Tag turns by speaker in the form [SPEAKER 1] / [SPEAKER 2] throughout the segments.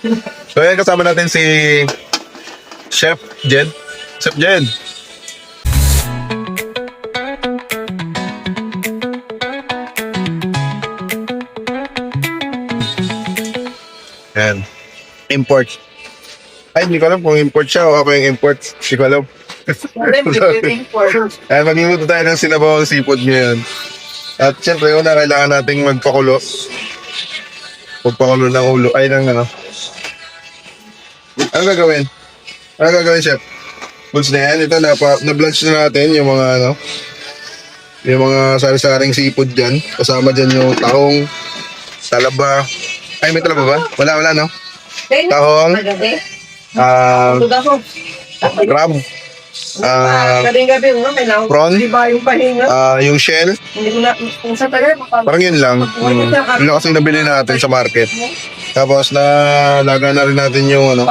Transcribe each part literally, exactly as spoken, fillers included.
[SPEAKER 1] So yan, kasama natin si Chef Jed. Chef Jed. Yan. Import. Ay, hindi ko alam kung import siya o ako yung import. Hindi ko alam. Ayan, magluluto tayo ng sinabawang seafood ngayon. At syempre, una, kailangan nating magpakulo. Magpakulo ng ulo. Ay, ng ano. Ano gagawin? Ano gagawin, chef? Bulls na yan. Ito, napa, na-blanch na natin yung mga ano. Yung mga sari-saring seafood dyan. Kasama dyan yung tahong, talaba. Ay, may talaba ba? Wala, wala, no? Tahong, ah, crab, ah, prawn, ah, yung shell. Parang yun lang. Hmm. Yun lang kasi nabili natin sa market. Tapos na laga na rin natin yung ano.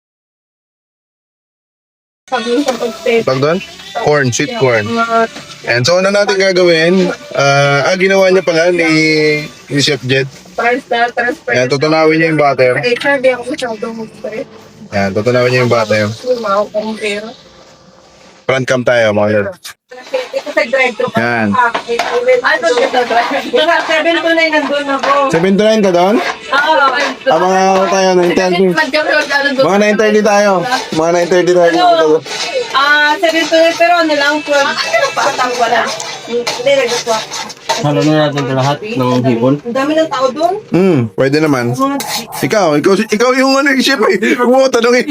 [SPEAKER 1] Pag doon? Corn, sweet corn. And so, ano natin gagawin? Ah, ah ginawa niya pala ni, ni Chef Jed. Yan, tutunawin niya yung butter. Yan, tutunawin niya yung butter. Front cam tayo, mga yun. Yan. seven to nine ka doon? Ah, mga ano tayo, nine thirty. Mga nine thirty tayo. Mga nine thirty tayo.
[SPEAKER 2] Ah, seven to nine, pero ano lang, twelve. Patang wala. Hindi, nagkaswa.
[SPEAKER 3] Halo na natin ito lahat ng hipon.
[SPEAKER 2] Ang dami ng tao doon.
[SPEAKER 1] Hmm, pwede naman. Ikaw, ikaw, ikaw yung ano, chef eh. Huwag mo tanongin.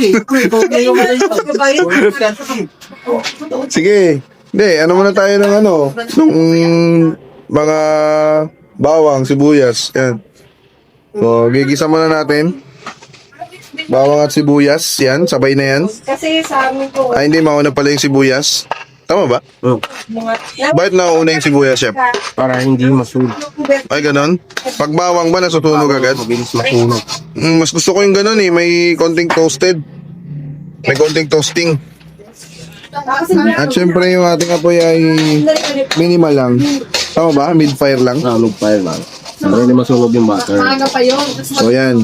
[SPEAKER 1] Sige. Hindi, ano muna tayo ng ano, ng mga bawang, sibuyas. Yan. So, gigisa muna natin. Bawang at sibuyas. Yan, sabay na yan.
[SPEAKER 2] Kasi sa amin po,
[SPEAKER 1] Ay, hindi, mauna pala yung sibuyas. Tama ba?
[SPEAKER 3] Oh,
[SPEAKER 2] mga...
[SPEAKER 1] Bakit nauna yung sibuyas, chef?
[SPEAKER 3] para hindi masunog.
[SPEAKER 1] Ay, ganon? Pag bawang ba, nasutunog agad?
[SPEAKER 3] Mabilis masunog.
[SPEAKER 1] Mm, mas gusto ko yung ganon eh, may konting toasted. May konting toasting. At syempre yung ating apoy ay minimal lang. Tama ba? Mid-fire lang.
[SPEAKER 3] Nanog fire lang. Para hindi masunog yung butter.
[SPEAKER 2] Maaga pa yun.
[SPEAKER 1] So yan.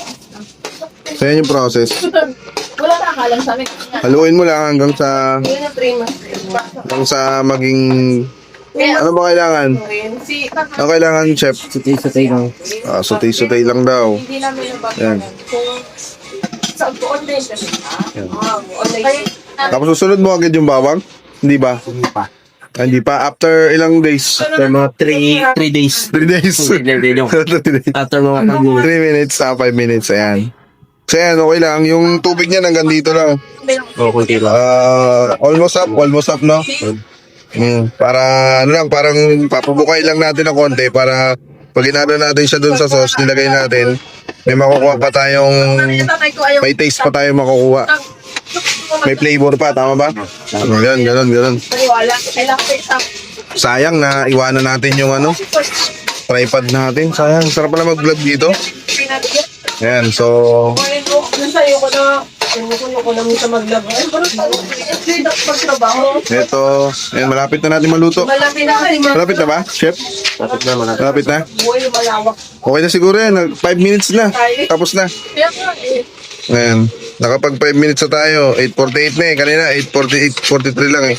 [SPEAKER 1] So yan yung process.
[SPEAKER 2] Wala na akalang sa amin.
[SPEAKER 1] Haluin mo lang hanggang sa
[SPEAKER 2] Yun ang three months.
[SPEAKER 1] hanggang sa maging ano ba kailangan?
[SPEAKER 2] Si
[SPEAKER 1] Ano kailangan, chef?
[SPEAKER 3] Sutay-sutay lang.
[SPEAKER 1] Ah, sutay-sutay lang daw.
[SPEAKER 2] hindi namin
[SPEAKER 1] Yan.
[SPEAKER 2] nabagalan. Kung sa online kasi. Ah, online.
[SPEAKER 1] Tapos susunod mo agad yung bawang? Hindi ba?
[SPEAKER 3] Hindi pa.
[SPEAKER 1] Ah, hindi pa. After ilang days?
[SPEAKER 3] After mga three days.
[SPEAKER 1] three days.
[SPEAKER 3] three days. After mga pag
[SPEAKER 1] three minutes, ah, five minutes. Ayan. So yan, okay lang. Yung tubig niya hanggang dito lang.
[SPEAKER 3] oh, kunti lang.
[SPEAKER 1] Ah, almost up, almost up, no? Mm, para, ano lang, parang papabukay lang natin ng konti para pag inano natin siya dun sa sauce, nilagay natin, may makukuha pa tayong, may taste pa tayo makukuha. May flavor pa, tama ba? Ganun, ganun, ganun.
[SPEAKER 2] Wala. Kailangan ko isang.
[SPEAKER 1] Sayang na iwanan natin yung ano, tripod natin. Sayang, sarap pala mag-vlog dito. Ayan, so,
[SPEAKER 2] Dun sa'yo ko na, sinukulo ko lang sa maglaba. Ay, parang tawag. Hindi na pagtrabaho.
[SPEAKER 1] ito, ayan, malapit na natin maluto.
[SPEAKER 2] Malaki na kasi mga
[SPEAKER 1] Malapit na ba, chef?
[SPEAKER 3] Tapos naman natin.
[SPEAKER 1] Malapit na?
[SPEAKER 2] buhay malawak.
[SPEAKER 1] Okay na siguro yan, five minutes na. Tapos na.
[SPEAKER 2] Kaya nga eh.
[SPEAKER 1] Ayan, nakapag five minutes na tayo. eight forty-eight na eh, kanina eight forty-eight, forty-three lang eh.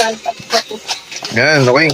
[SPEAKER 1] Ayan, okay.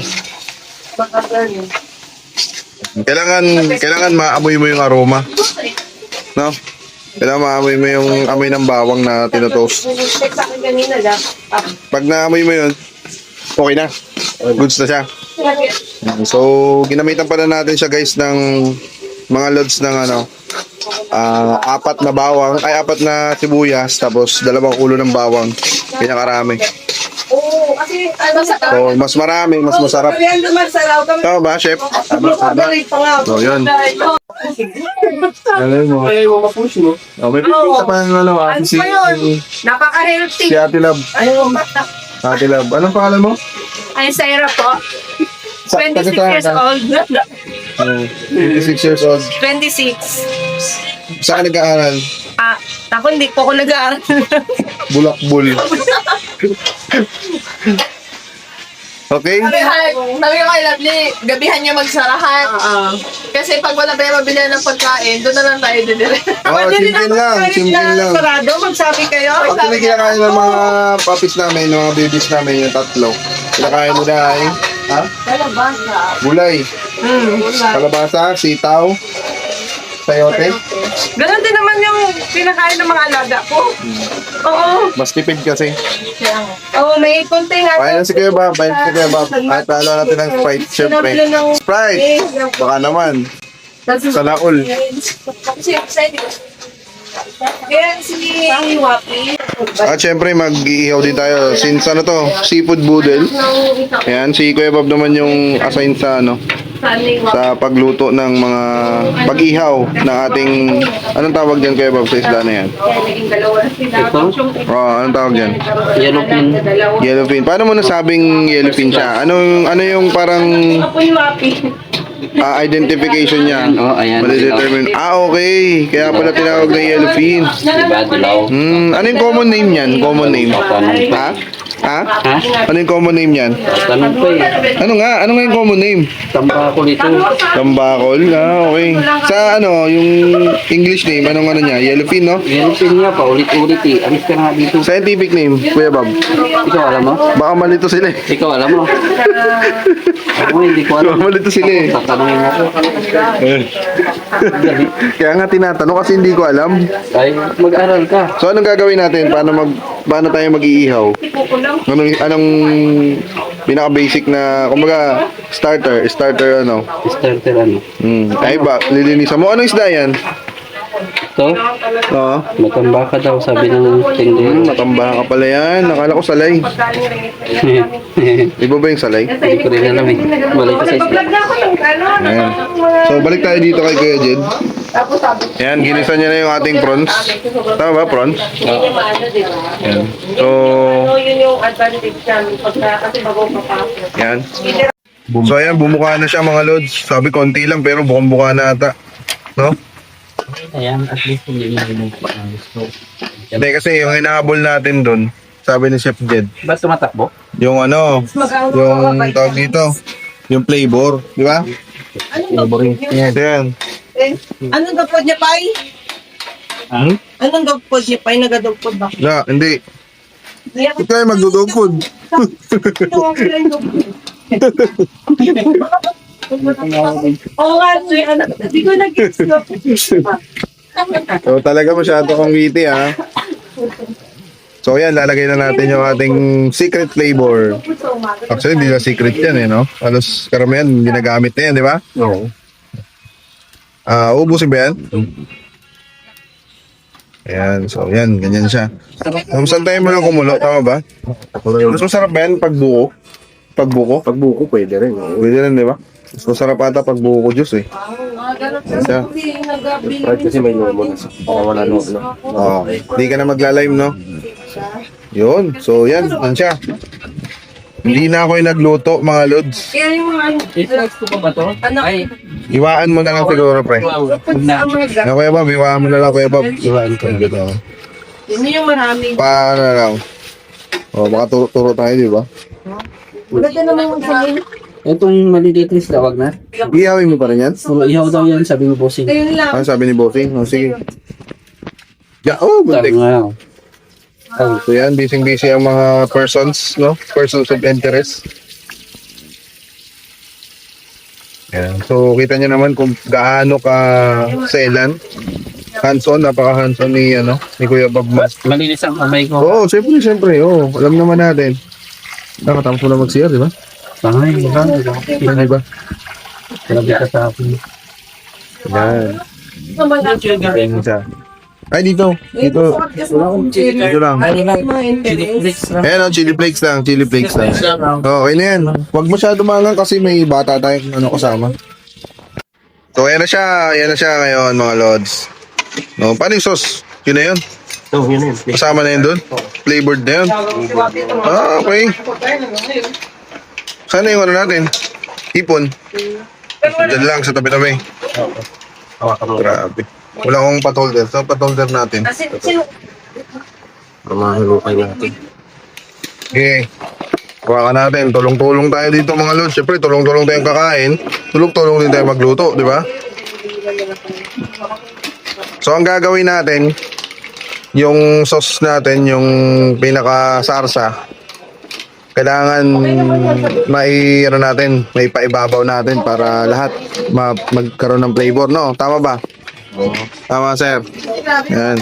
[SPEAKER 1] Kailangan, kailangan maamoy mo yung aroma. No? Kailangan maamoy mo yung amoy ng bawang na tinotoast.
[SPEAKER 2] Nag-check sa akin kanina lang.
[SPEAKER 1] Pag naamoy mo yun, okay na. Goods na siya. So, ginamitan pala natin siya guys ng mga loads ng ano, ah, apat na bawang, ay apat na sibuyas, tapos dalawang ulo ng bawang. Pinakarami.
[SPEAKER 2] Oo, kasi ano sa
[SPEAKER 1] So, mas marami, mas masarap.
[SPEAKER 2] Kaya naman sa raw kami.
[SPEAKER 1] Tama ba, chef?
[SPEAKER 2] Tama, tama.
[SPEAKER 1] So, yun.
[SPEAKER 3] Alam mo. Ayaw mo ma-push mo.
[SPEAKER 1] Oh, may pipita pa ng ano,
[SPEAKER 2] Ano
[SPEAKER 1] si,
[SPEAKER 2] pa yun? Napaka-healthy.
[SPEAKER 1] si Ate Love.
[SPEAKER 2] Ano?
[SPEAKER 1] Ate Love. Anong pangalan mo?
[SPEAKER 2] Ay, Sarah po.
[SPEAKER 1] Sa-
[SPEAKER 2] twenty-six
[SPEAKER 1] taga-
[SPEAKER 2] years old.
[SPEAKER 1] Oh, twenty-six years old.
[SPEAKER 2] twenty-six.
[SPEAKER 1] Saan ka nag-aaral?
[SPEAKER 2] Ah, ako hindi po ako nag-aaral.
[SPEAKER 1] Bulakbul. Okay?
[SPEAKER 4] Sabi sabi ko kay Lovely, gabihan niya magsarahan.
[SPEAKER 2] Oo.
[SPEAKER 4] Kasi pag wala tayo mabili ng pagkain, doon na lang tayo didire.
[SPEAKER 1] Oh, simple lang, simple lang.
[SPEAKER 2] Sarado, magsabi kayo.
[SPEAKER 1] Pag kami kinakain ng mga puppies namin, ng mga babies namin, yung tatlo, kinakain nila ay, ha?
[SPEAKER 2] Kalabasa.
[SPEAKER 1] Gulay,
[SPEAKER 2] Hmm.
[SPEAKER 1] kalabasa, sitaw, sayote.
[SPEAKER 2] Ganon din naman yung pinakain ng mga alaga ko. Oo.
[SPEAKER 1] Mas tipid kasi.
[SPEAKER 2] Oo, may konti nga.
[SPEAKER 1] Bayan na si Kuya Bob, bayan si Kuya Bob. At palo natin ng Sprite, syempre. Sprite! Baka naman. Sa laol.
[SPEAKER 2] Yan si Wapi.
[SPEAKER 1] At syempre, mag-iihaw din tayo. Since ano to, seafood boodle. Ayan, si Kuya Bob naman yung assigned sa ano, sa pagluto ng mga pag-ihaw ng ating, anong tawag dyan Kuya Bob sa isda na yan?
[SPEAKER 3] Ito?
[SPEAKER 1] Oh, anong tawag dyan?
[SPEAKER 3] Yellowfin.
[SPEAKER 1] Yellowfin. Paano mo nasabing yellowfin siya? Ano yung, ano yung parang
[SPEAKER 2] Apo ni Wapi.
[SPEAKER 1] ah, identification niya?
[SPEAKER 3] Oh, ayan.
[SPEAKER 1] Madidetermine. Ah, okay. Kaya pala tinawag na yellowfin.
[SPEAKER 3] Diba, dilaw?
[SPEAKER 1] Hmm, ano yung common name niyan? Common name. Ha? Ha?
[SPEAKER 3] Ha?
[SPEAKER 1] Ano yung common name niyan?
[SPEAKER 3] Tanong ko eh.
[SPEAKER 1] Ano nga? Ano nga yung common name?
[SPEAKER 3] Tamba ko nito.
[SPEAKER 1] Tambakol? Ah, okay. Sa ano, yung English name, anong ano niya? Yellowfin, no?
[SPEAKER 3] Yellowfin niya pa, ulit-ulit eh. Alis ka nga dito.
[SPEAKER 1] Scientific name, Kuya Bob.
[SPEAKER 3] Ikaw alam mo?
[SPEAKER 1] Baka malito sila eh.
[SPEAKER 3] Ikaw alam mo? Ako hindi ko alam.
[SPEAKER 1] Baka malito sila eh.
[SPEAKER 3] Tatanungin mo ko.
[SPEAKER 1] Kaya nga tinatanong kasi hindi ko alam.
[SPEAKER 3] Ay, mag-aral ka.
[SPEAKER 1] So anong gagawin natin? Paano mag paano tayo mag-iihaw? Anong anong pinaka basic na kumbaga starter, starter ano?
[SPEAKER 3] Starter ano?
[SPEAKER 1] Hmm. Ay ba, lilinisan mo. Anong isda yan?
[SPEAKER 3] Ito?
[SPEAKER 1] Oo.
[SPEAKER 3] Matamba ka daw, sabi ng
[SPEAKER 1] Hmm,
[SPEAKER 3] tindero.
[SPEAKER 1] matamba ka pala yan. Nakala ko salay. Iba ba yung salay?
[SPEAKER 3] Hindi ko rin alam eh. Balik ka sa isla.
[SPEAKER 2] Vlog na ako ng ano.
[SPEAKER 1] Ayan. So balik tayo dito kay Kuya Jed. Ayan, ginisa niya na yung ating prawns. Tama ba, prawns? Ayan. So,
[SPEAKER 2] So, yun yung advantage namin pagka kasi bago papasok.
[SPEAKER 1] ayan. So ayan, bumuka na siya mga lods. Sabi konti lang pero bukang-buka na ata. No?
[SPEAKER 3] Ayan, at least hindi mo bumukha ng gusto.
[SPEAKER 1] Hindi kasi yung hinahabol natin doon, sabi ni Chef Jed,
[SPEAKER 3] Ba't tumatakbo?
[SPEAKER 1] yung ano, yung tawag dito, yung flavor, di ba?
[SPEAKER 3] Flavoring. Yan.
[SPEAKER 1] Ayan.
[SPEAKER 2] Eh, anong gapod niya, Pai?
[SPEAKER 3] Hmm?
[SPEAKER 2] Anong gapod niya, Pai? Nagadugpod ba?
[SPEAKER 1] Na, hindi.
[SPEAKER 2] Diyan
[SPEAKER 1] Ito ay magdudog food.
[SPEAKER 2] Oo nga, so yung anak, hindi ko nag-gets ko.
[SPEAKER 1] So talaga masyado kang witty ha. So yan, lalagay na natin yung ating secret flavor. Actually, hindi na secret yan eh, no? Halos karamihan, ginagamit na yan, di ba?
[SPEAKER 3] Oo.
[SPEAKER 1] Ah, ubusin ba yan? Ayan, so yan, ganyan siya. Um, saan tayo mo lang kumulo, tama ba? Mas masarap ba yan pag buko? Pag buko?
[SPEAKER 3] Pag buko, pwede rin.
[SPEAKER 1] Pwede rin, di ba? Mas masarap ata pag buko juice eh. Ayan siya.
[SPEAKER 3] Right, kasi may lomo na sa wala no, no.
[SPEAKER 1] Oo. Hindi ka na magla-lime, no? Yun. So, yan. Yan siya. Hindi na ako yung nagluto, mga lods.
[SPEAKER 2] Kaya yung mga ano,
[SPEAKER 3] I-flex ko pa ba to?
[SPEAKER 2] anak,
[SPEAKER 3] Ay,
[SPEAKER 1] Iwaan mo na lang siguro, pre.
[SPEAKER 3] wow. Na.
[SPEAKER 1] Ano, Kuya Bob? Iwaan mo na lang, Kuya Bob. Iwaan ko. Dito.
[SPEAKER 2] yun yung maraming.
[SPEAKER 1] Paano na lang? O, baka turo-turo tayo, di ba?
[SPEAKER 2] Maganda naman yung sabihin.
[SPEAKER 3] Itong maliliit na isda, wag na.
[SPEAKER 1] Ihawin mo pa rin yan?
[SPEAKER 3] Puro ihaw daw yan, sabi mo bossing.
[SPEAKER 2] Ayun lang.
[SPEAKER 1] Ano sabi ni Bossing? O, sige. Ya, oh,
[SPEAKER 3] Sabi
[SPEAKER 1] buntik.
[SPEAKER 3] nga. Ay,
[SPEAKER 1] So, yan. Busy-busy ang mga persons, no? Persons of interest. Yan. So, kita nyo naman kung gaano ka selan. Hands-on, napaka-hands-on ni, ano, ni Kuya Bob Mas.
[SPEAKER 3] malinis ang kamay ko.
[SPEAKER 1] Oo, oh, siyempre, siyempre. Oo, alam naman natin. Nakatapos mo na mag-C R, di ba?
[SPEAKER 3] Ay, diba?
[SPEAKER 1] Ay ba?
[SPEAKER 3] Grabe ka sa akin.
[SPEAKER 1] Yan.
[SPEAKER 2] Naman
[SPEAKER 1] Yan siya. Ay, dito. Dito. Dito lang.
[SPEAKER 2] mga interest.
[SPEAKER 1] Ayan, oh, chili flakes lang. Chili flakes lang. Oh, okay na yan. Huwag masyado mangang kasi may bata tayong ano, kasama. So, ayan na siya. Ayan na siya ngayon, mga lods. No, paano yung sauce? Yun na yun.
[SPEAKER 3] Oh, yun yun.
[SPEAKER 1] Kasama na yun doon. Flavored na yun. Ah, okay. Sana yung ano natin? Ipon. Diyan lang sa tabi-tabi. Grabe. Wala akong patholder. So, patholder natin.
[SPEAKER 2] Kasi, sino?
[SPEAKER 3] Mamahulukay natin.
[SPEAKER 1] Okay. Kuha ka natin. Tulong-tulong tayo dito mga lods. Siyempre, tulong-tulong tayong kakain. Tulong-tulong din tayo magluto, di ba? So, ang gagawin natin, yung sauce natin, yung pinaka-sarsa, kailangan may ano natin, may paibabaw natin para lahat ma- magkaroon ng flavor, no? Tama ba? Oo. Tama, sir. Yan.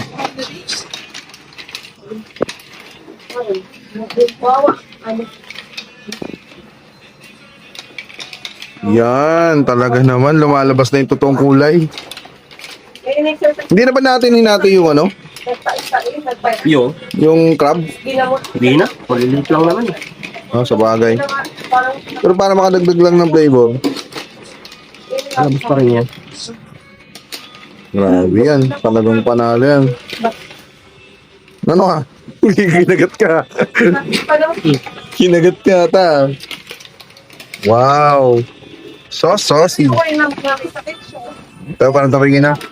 [SPEAKER 1] Yan, talaga naman lumalabas na yung totoong kulay. Hindi na ba natin hinati yung ano?
[SPEAKER 3] Yo,
[SPEAKER 1] Yung crab?
[SPEAKER 3] hindi na. Malilit lang naman.
[SPEAKER 1] Oh, sa bagay. Pero para makadagdag lang ng flavor.
[SPEAKER 3] Labas pa rin yan.
[SPEAKER 1] Grabe yan. Talagang panalo yan. Ano ka? Kinagat ka. Kinagat ka ata. Wow. So saucy. Ito, parang tapingin na.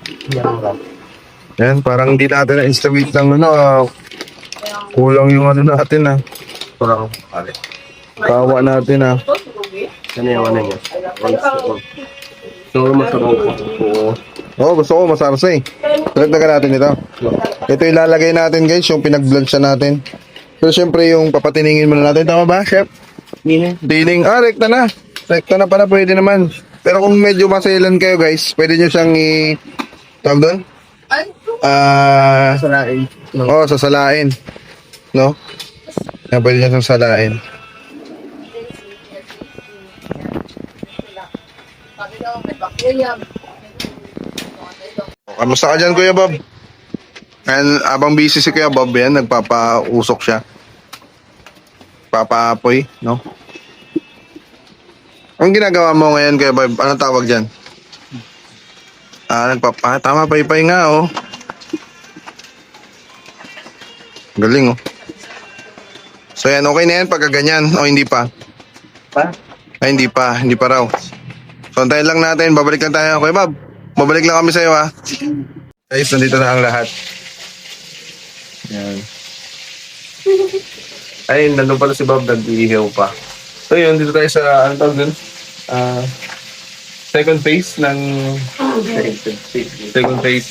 [SPEAKER 1] Yan, parang hindi natin na-instabate lang ano. ah. Kulang yung ano natin ah.
[SPEAKER 3] Parang, pare.
[SPEAKER 1] Kawa natin ah.
[SPEAKER 3] Ano yung ano niya? So, masarap po. Oo.
[SPEAKER 1] Oo, gusto ko masarsa eh. Dagdagan natin ito. Ito ilalagay natin guys, yung pinag-blanch natin. Pero syempre yung papatiningin muna natin. Tama ba, chef?
[SPEAKER 3] Hindi.
[SPEAKER 1] Dining, ah, rekta na. Rekta na pala, pwede naman. Pero kung medyo maselan kayo guys, pwede nyo siyang i... Tawag doon? Ah...
[SPEAKER 3] Salain.
[SPEAKER 1] Oo, sasalain. No? Yan, pwede nyo siyang salain. Kamusta ka dyan, Kuya Bob? And abang busy si Kuya Bob yan, nagpapausok siya. Papaapoy, no? Ang ginagawa mo ngayon, Kuya Bob, anong tawag dyan? Ah, nagpapa... Tama, paypay nga, oh. Galing, oh. So yan, okay na yan pagka ganyan, o hindi pa?
[SPEAKER 3] Pa?
[SPEAKER 1] Ay, hindi pa, hindi pa raw. So, antayin lang natin, babalik lang tayo. Kuya Bob, babalik lang kami sa'yo, ha? Guys, nandito na ang lahat. Yan. Ay, nandun pala si Bob, nag-iihaw pa. So yun, dito tayo sa, ano tawag dun? Ah, second phase ng... Second phase.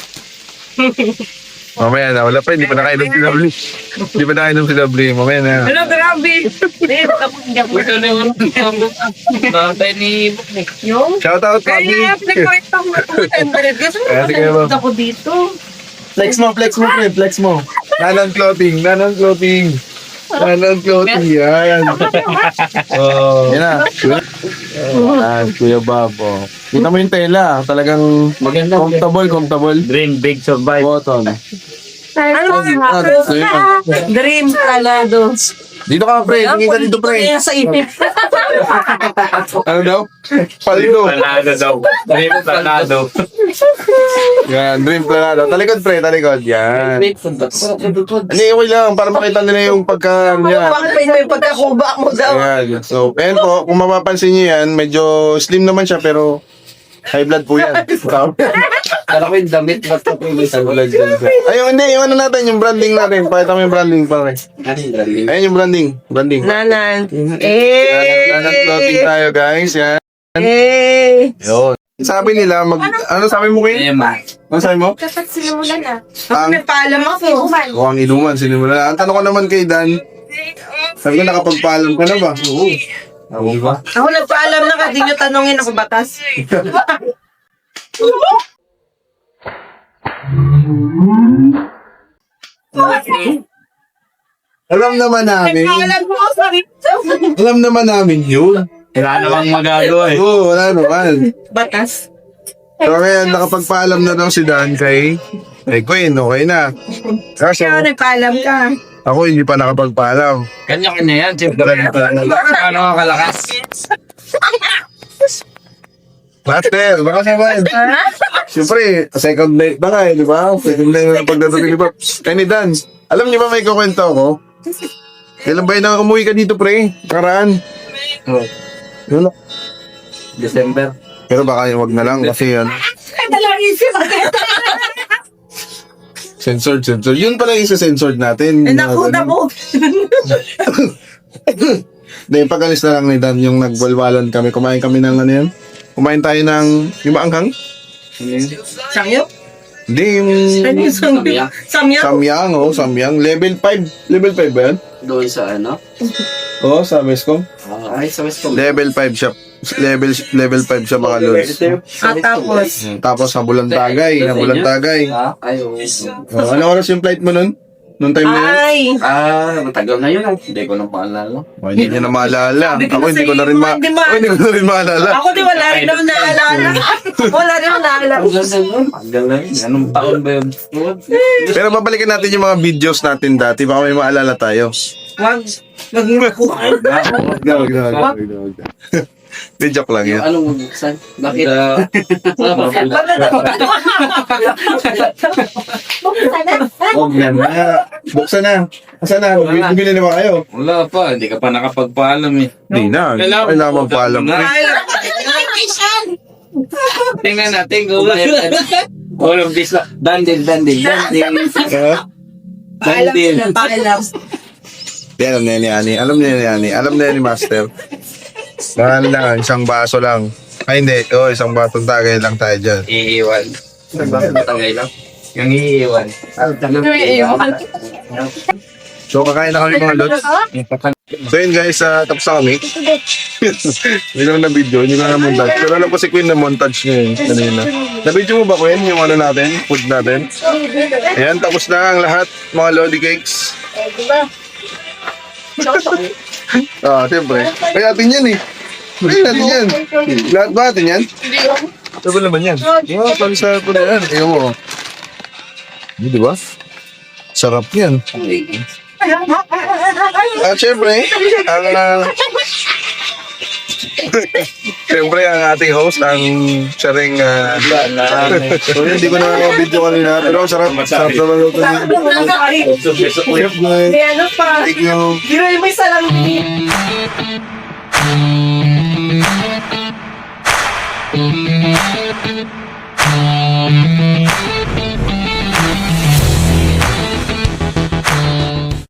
[SPEAKER 1] Mamaya na, wala pa, hindi pa nakainom si W. Hindi pa nakainom si W, mamaya na.
[SPEAKER 2] Hello, grabe. Dave, tapos hindi ako.
[SPEAKER 3] Ito na yung nakantay ni Buknik.
[SPEAKER 2] Yung?
[SPEAKER 1] Shout out,
[SPEAKER 2] Kaya
[SPEAKER 1] Bobby!
[SPEAKER 2] nga, pinag-correct ako na two hundred. Gusto mo
[SPEAKER 1] Kaya sige, Bob.
[SPEAKER 2] ako dito.
[SPEAKER 1] Flex mo, flex mo, friend, flex mo. Nanan clothing, nanan clothing. Nanan clothing, yan. Oh. Yan na. Yan, Kuya Bob. Oh. Kita mo yung tela, talagang
[SPEAKER 3] Maganda.
[SPEAKER 1] comfortable, comfortable.
[SPEAKER 3] Dream big survive.
[SPEAKER 1] Button.
[SPEAKER 2] Ano
[SPEAKER 1] Ah, so yun.
[SPEAKER 2] Dream talado.
[SPEAKER 1] Dito ka, pre. Tingin ka dito, pre.
[SPEAKER 2] Kaya sa ipip.
[SPEAKER 1] Ano daw? Paldo.
[SPEAKER 3] Planado daw. Dream planado.
[SPEAKER 1] Yan, dream planado. Talikod, pre, talikod. Yan. Hindi, okay lang. Para makita nila yung pagka... Yan.
[SPEAKER 2] Bakit may, may pagkakuba mo daw?
[SPEAKER 1] Ayan. So, ayan po, kung mapapansin nyo yan, medyo slim naman siya, pero high blood po yan.
[SPEAKER 3] Kala ko yung damit. Ba't ko yung isang ulag dyan?
[SPEAKER 1] Ayun, hindi, yung ano natin, yung branding natin. Pakita mo yung branding, pare.
[SPEAKER 3] Ano yung galing?
[SPEAKER 1] Ayan yung branding. Branding.
[SPEAKER 2] Nanan.
[SPEAKER 1] Nanan
[SPEAKER 2] Eh!
[SPEAKER 1] clothing tayo, guys. Yan.
[SPEAKER 2] Eh!
[SPEAKER 1] Yun. Sabi nila, mag... Ano sabi mo, Queen?
[SPEAKER 3] Ema.
[SPEAKER 1] Ano sabi mo?
[SPEAKER 5] Dapat sinimulan na.
[SPEAKER 1] Ang...
[SPEAKER 2] Nagpaalam ako.
[SPEAKER 1] Oh, ang inuman, sinimula. Ang tanong ko naman kay Dan, sabi ko, nakapagpaalam ka na ba? Oo. Ako ba?
[SPEAKER 2] Ako nagpaalam na kasi nyo tanongin ako batas.
[SPEAKER 1] Alam naman namin.
[SPEAKER 2] Nagpaalam mo ako sa
[SPEAKER 1] Alam naman namin yun.
[SPEAKER 3] Wala namang magagawa eh.
[SPEAKER 1] Oo, wala naman.
[SPEAKER 2] batas.
[SPEAKER 1] So ngayon, nakapagpaalam na daw si Dan kay, kay Queen, okay na. Kaso,
[SPEAKER 2] Ikaw nagpaalam ka.
[SPEAKER 1] ako hindi pa nakapagpaalam.
[SPEAKER 3] Kanya-kanya yan. Siyempre. Ano ka kalakas?
[SPEAKER 1] Master, baka naman. Siyempre, second night na nga eh, di ba? Second night na pagdating ni Bob. Kaya ni Dan, alam niyo ba may kukwento ako? Kailan ba yun na umuwi ka dito, pre? Karaan.
[SPEAKER 3] Oh,
[SPEAKER 1] Yun.
[SPEAKER 3] December.
[SPEAKER 1] Pero baka wag na lang kasi yan.
[SPEAKER 2] Kadalang isip agad.
[SPEAKER 1] Censored, censored. Yun pala yung isa-censored natin.
[SPEAKER 2] Eh, naku, naku.
[SPEAKER 1] Hindi, pag-alis na lang ni Dan, yung nagbalwalan kami. Kumain kami ng ano yun? Kumain tayo ng, yung maanghang?
[SPEAKER 2] Sangyo?
[SPEAKER 1] Hindi, yung
[SPEAKER 2] Ano yung sangyo? Samyang?
[SPEAKER 1] samyang, oh, samyang. Level five. Level five ba yan?
[SPEAKER 3] Doon sa ano?
[SPEAKER 1] Oo, oh, sa Westcom.
[SPEAKER 3] Ay, sa West Coast.
[SPEAKER 1] Level five siya. Level level five siya mga lods.
[SPEAKER 2] At tapos,
[SPEAKER 1] Tapos sa Bulantagay, sa Bulantagay.
[SPEAKER 3] Ah, ay, oo.
[SPEAKER 1] Oh, ano oras yung flight mo nun? Nung time na yun?
[SPEAKER 2] ay!
[SPEAKER 3] Ah, matagal na yun. ah. Hindi ko na maalala.
[SPEAKER 1] Oh, hindi niya na maalala.
[SPEAKER 2] Sabi ko
[SPEAKER 1] Ako
[SPEAKER 2] na
[SPEAKER 1] hindi ko
[SPEAKER 2] sa'yo,
[SPEAKER 1] na rin ma...
[SPEAKER 2] hindi ma-
[SPEAKER 1] Ako hindi ko na rin maalala.
[SPEAKER 2] Ako di wala rin ako naalala. Wala rin ako naalala.
[SPEAKER 3] Ang ganda nun. Ang ganda yun. Anong taon ba yun?
[SPEAKER 1] Pero babalikan natin yung mga videos natin dati. Baka may maalala tayo.
[SPEAKER 2] Wag. Wag mo ko.
[SPEAKER 1] Wag na, wag na, wag na, wag na, wag na. Di joke lang yan.
[SPEAKER 3] Anong bubuksan? Bakit? Ah,
[SPEAKER 1] Huwag na na. Buksan na. Asan na?
[SPEAKER 3] Wala.
[SPEAKER 1] Bibili na ba kayo?
[SPEAKER 5] Wala pa, hindi ka pa nakapagpaalam eh.
[SPEAKER 1] Hindi na.
[SPEAKER 5] Kailangan-
[SPEAKER 1] Kailangan magpaalam.
[SPEAKER 5] Tingnan natin kung all of this. Dandil, dandil, dandil.
[SPEAKER 1] Ah?
[SPEAKER 5] Dandil.
[SPEAKER 2] Paalam.
[SPEAKER 1] Di, alam na yan ni Ani. Alam na yan ni Ani. Alam na yan ni Master. Mahal lang. Isang baso lang. Ay, hindi. Oo, isang batong tagay lang tayo dyan.
[SPEAKER 5] Iiwan.
[SPEAKER 3] Matangay lang.
[SPEAKER 5] Yung iiwan.
[SPEAKER 1] So, kakain na kami mga lods. So, yun guys, uh, tapos na kami. Hindi ko na video, hindi ko na montage. Pero alam ko si Queen na montage niya yun kanina. Na-video mo ba, Queen, yung ano natin, food natin? Ayan, tapos na ang lahat, mga Lodi Cakes. Ah, siyempre. Kaya atin yan eh. Kaya natin yan. Lahat ba atin yan?
[SPEAKER 2] Hindi ko.
[SPEAKER 1] Sabi naman yan. Oo, oh, sa ko na yan. Ayaw mo. Hindi, di ba? Sarap yan. At syempre, ang... Uh, syempre, ang ating host, ang siya rin... Uh, so, hindi ko na video kanina, pero ang sarap. Sarap naman ito. Chef,
[SPEAKER 2] Hindi ano pa.
[SPEAKER 1] thank you.
[SPEAKER 2] Hindi rin may salang.